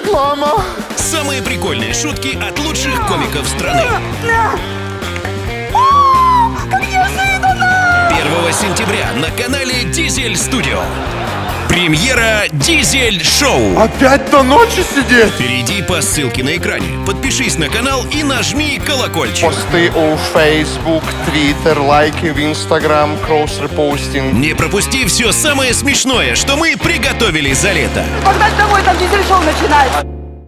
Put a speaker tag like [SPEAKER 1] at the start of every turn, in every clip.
[SPEAKER 1] Реклама.
[SPEAKER 2] Самые прикольные шутки от лучших комиков страны. 1 сентября на канале Дизель Студио. Премьера Дизель Шоу.
[SPEAKER 1] Опять до ночи сидеть.
[SPEAKER 2] Перейди по ссылке на экране, подпишись на канал и нажми колокольчик.
[SPEAKER 1] Посты у Facebook, Twitter, лайки в Instagram, кросс-репостинг.
[SPEAKER 2] Не пропусти все самое смешное, что мы приготовили за лето.
[SPEAKER 3] Погнать домой, там дизель-шоу начинается.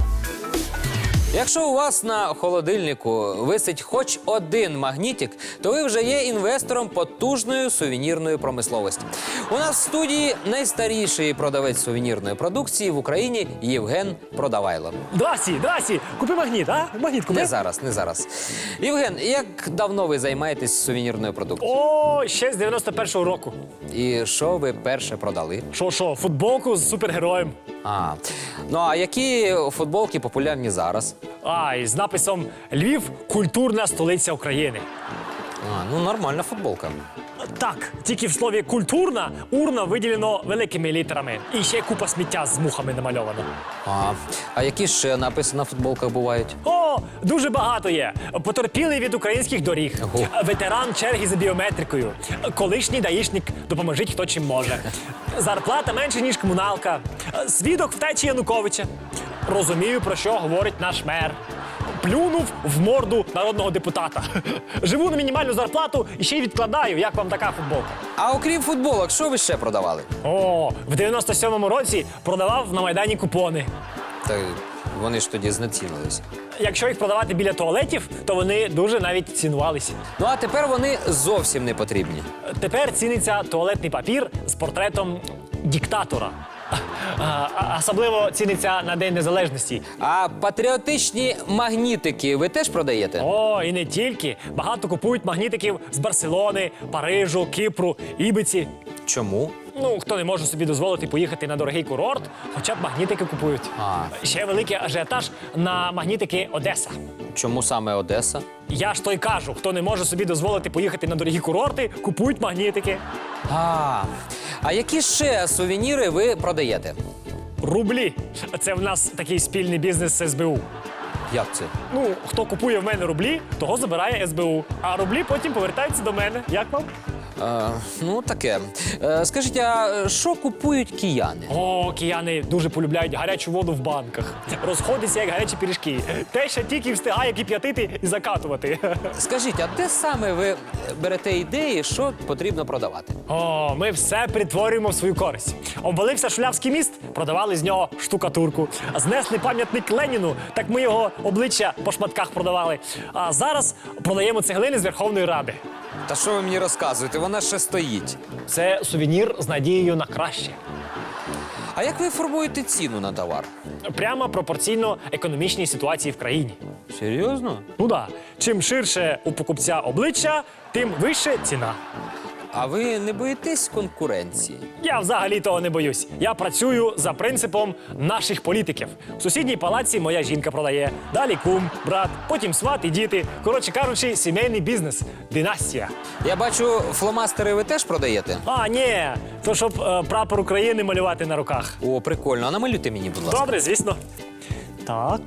[SPEAKER 4] Якщо у вас на холодильнику висить хоч один магнітик, то ви вже є інвестором потужної сувенірної промисловості. У нас в студії найстаріший продавець сувенірної продукції в Україні Євген Продавайло.
[SPEAKER 5] Здрасті, купи магніт, а? Магніт купи.
[SPEAKER 4] Не зараз. Євген, як давно ви займаєтесь сувенірною продукцією?
[SPEAKER 5] О, ще з 91-го року.
[SPEAKER 4] І що ви перше продали?
[SPEAKER 5] Що, футболку з супергероєм.
[SPEAKER 4] Ну а які футболки популярні зараз?
[SPEAKER 5] І з написом «Львів – культурна столиця України».
[SPEAKER 4] Ну нормальна футболка.
[SPEAKER 5] Так, тільки в слові «культурна» урна виділено великими літерами. І ще купа сміття з мухами намальовано.
[SPEAKER 4] А які ще написи на футболках бувають?
[SPEAKER 5] О, дуже багато є. Потерпілий від українських доріг.
[SPEAKER 4] Ого.
[SPEAKER 5] Ветеран черги за біометрикою. Колишній даїшник, допоможіть хто чим може. Зарплата менше, ніж комуналка. Свідок втечі Януковича. Розумію, про що говорить наш мер. Плюнув в морду народного депутата. Живу на мінімальну зарплату і ще й відкладаю. Як вам така футболка?
[SPEAKER 4] А окрім футболок, що ви ще продавали?
[SPEAKER 5] О, в 97-му році продавав на Майдані купони.
[SPEAKER 4] Та вони ж тоді знецінились.
[SPEAKER 5] Якщо їх продавати біля туалетів, то вони дуже навіть цінувалися.
[SPEAKER 4] Ну а тепер вони зовсім не потрібні.
[SPEAKER 5] Тепер ціниться туалетний папір з портретом диктатора. Особливо ціниться на День Незалежності.
[SPEAKER 4] А патріотичні магнітики ви теж продаєте?
[SPEAKER 5] О, і не тільки. Багато купують магнітиків з Барселони, Парижу, Кіпру, Ібиці.
[SPEAKER 4] Чому?
[SPEAKER 5] Ну, хто не може собі дозволити поїхати на дорогий курорт, хоча б магнітики купують. Ще великий ажіотаж на магнітики Одеса.
[SPEAKER 4] Чому саме Одеса?
[SPEAKER 5] Я ж то й кажу, хто не може собі дозволити поїхати на дорогі курорти, купують магнітики.
[SPEAKER 4] А які ще сувеніри ви продаєте?
[SPEAKER 5] Рублі. Це в нас такий спільний бізнес з СБУ.
[SPEAKER 4] Як це?
[SPEAKER 5] Ну, хто купує в мене рублі, того забирає СБУ. А рублі потім повертаються до мене. Як вам?
[SPEAKER 4] Ну, таке. Скажіть, а що купують кияни?
[SPEAKER 5] О, кияни дуже полюбляють гарячу воду в банках. Розходяться, як гарячі пиріжки. Те, що тільки встигає кип'ятити і закатувати.
[SPEAKER 4] Скажіть, а де саме ви берете ідеї, що потрібно продавати?
[SPEAKER 5] О, ми все притворюємо в свою користь. Обвалився Шулявський міст, продавали з нього штукатурку. Знесли пам'ятник Леніну, так ми його обличчя по шматках продавали. А зараз продаємо цеглини з Верховної Ради.
[SPEAKER 4] Та що ви мені розказуєте? Вона ще стоїть.
[SPEAKER 5] Це сувенір з надією на краще.
[SPEAKER 4] А як ви формуєте ціну на товар?
[SPEAKER 5] Прямо пропорційно економічній ситуації в країні.
[SPEAKER 4] Серйозно?
[SPEAKER 5] Ну да, чим ширше у покупця обличчя, тим вище ціна.
[SPEAKER 4] А ви не боїтесь конкуренції?
[SPEAKER 5] Я взагалі того не боюсь. Я працюю за принципом наших політиків. В сусідній палаці моя жінка продає, далі кум, брат, потім сват і діти. Коротше кажучи, сімейний бізнес. Династія.
[SPEAKER 4] Я бачу, фломастери ви теж продаєте?
[SPEAKER 5] Ні, то щоб прапор України малювати на руках.
[SPEAKER 4] О, прикольно. А намалюйте мені, будь ласка.
[SPEAKER 5] Добре, звісно. Так.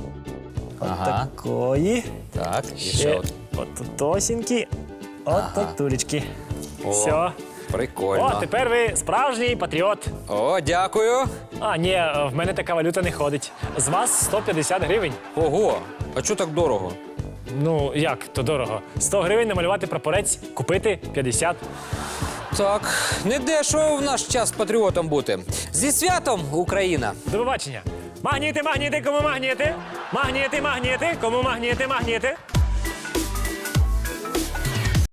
[SPEAKER 4] Ага.
[SPEAKER 5] Такої.
[SPEAKER 4] Так, і ще
[SPEAKER 5] Ще
[SPEAKER 4] от.
[SPEAKER 5] от тосінькі. От тулечки.
[SPEAKER 4] О,
[SPEAKER 5] Все.
[SPEAKER 4] прикольно.
[SPEAKER 5] О, тепер ви справжній патріот.
[SPEAKER 4] О, дякую.
[SPEAKER 5] Ні, в мене така валюта не ходить. З вас 150 гривень.
[SPEAKER 4] Ого, а чого так дорого?
[SPEAKER 5] Ну, як то дорого? 100 гривень намалювати прапорець, купити 50.
[SPEAKER 4] Так, не дешево в наш час патріотом бути. Зі святом, Україна!
[SPEAKER 5] До побачення. Магніти, кому магніти? Магніти, кому магніти?